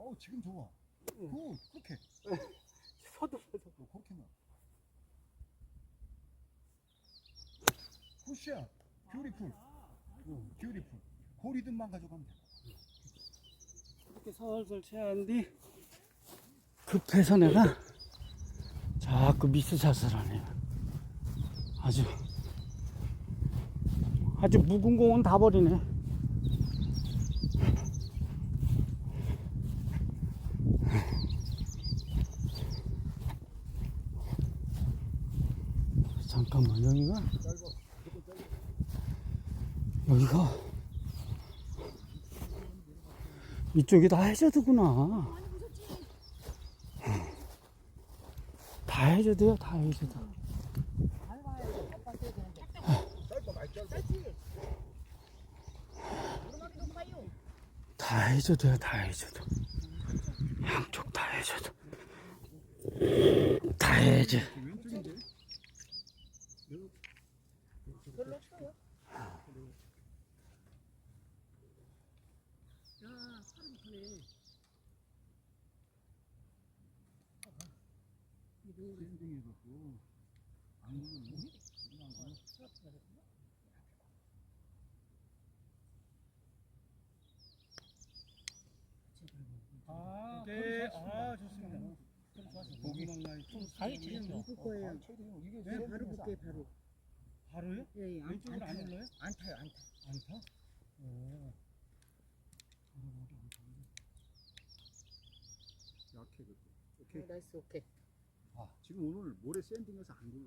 지금 좋아. 그렇게. 서도 그렇게 나. 굿샷. 뷰티풀. 뷰티풀. 그 리듬만 가져가면 돼. 이렇게 설설 채하는데 급해서 내가 자꾸 미스샷을 하네. 아주 묵은 공은 다 버리네. 잠깐만, 여기가 이쪽이 다 해저드구나. 다 해저드야, 다 해저드. 다 해저드야, 다 해저드. 양쪽 다 해저드. 다 해저. 별로 없어요. 네, 좋습니다. 고기 가위 치셨죠? 묶을 거예요. 이게 네, 바로 묶게 바로. 바로요? 예, 예. 왼쪽으로 안 올라요? 안 타요, 안 타. 안 타? 약해 그거. 오케이. 나이스, 오케이. 지금 오늘 모래 샌딩해서 안 굴러.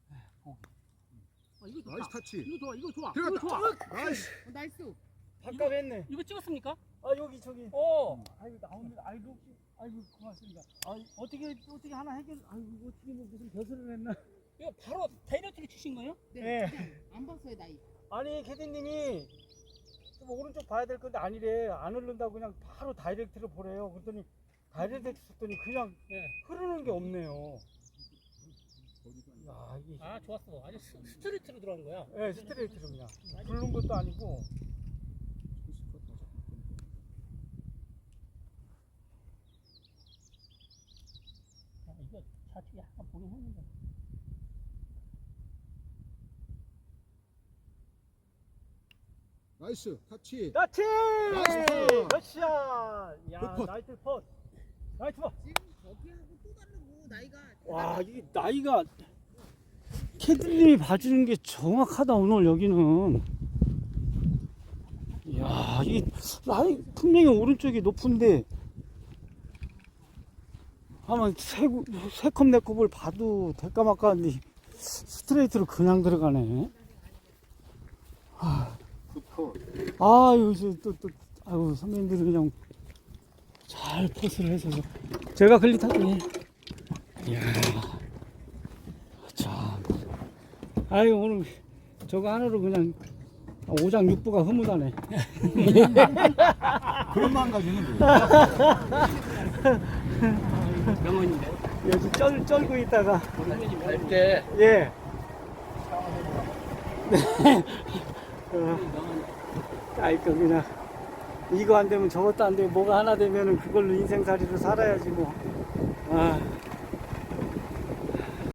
이거 좋다. 나이스 타치. 이거 좋아. 이거 좋아. 들어갔다. 이거 좋아. 나이스. 나이스. 바꿔했네. 이거 찍었습니까? 여기 저기. 아이고 나옵니다. 아이고 고맙습니다. 어떻게 하나 해결. 아이고 어떻게 무슨 벼슬을 했나. 이거 바로 다이렉트로 치신 거예요? 네. 그냥 안 봤어요, 나이. 아니 캐디님이 좀 오른쪽 봐야 될 건데 아니래. 안 흐른다고 그냥 바로 다이렉트로 보래요. 그랬더니 다이렉트 쳤더니 그냥 흐르는 게 없네요. 야 이게. 좋았어. 아주 스트레이트로 들어간 거야. 네, 스트레이트로 그냥. 굴른 것도 아니고. 이거 좌측에 약간 보긴 했는데. 나이스 타치. 나치! 나이스! 샷! 야, 굿 팟. 나이스 펀. 나이스 펀. 지금 저기하고 또 다르고, 나이가. 와, 이게 나이가 캐디님이 봐주는 게 정확하다 오늘 여기는. 야, 이 나이 분명히 오른쪽이 높은데 아마 세컵 네 컵을 봐도 될까 말까 한데 스트레이트로 그냥 들어가네. 아유, 아유, 선배님들이 그냥 잘 포스를 해서 제가 글리타더니 이야, 참. 아유, 오늘 저거 하나로 그냥 5장 6부가 흐뭇하네. 그런 마음가짐은 명언인데. 여기 쩔고 있다가 선배님 밟게. 예. 아이고 그냥 이거 안 되면 저것도 안 되고 뭐가 하나 되면은 그걸로 인생살이로 살아야지 뭐.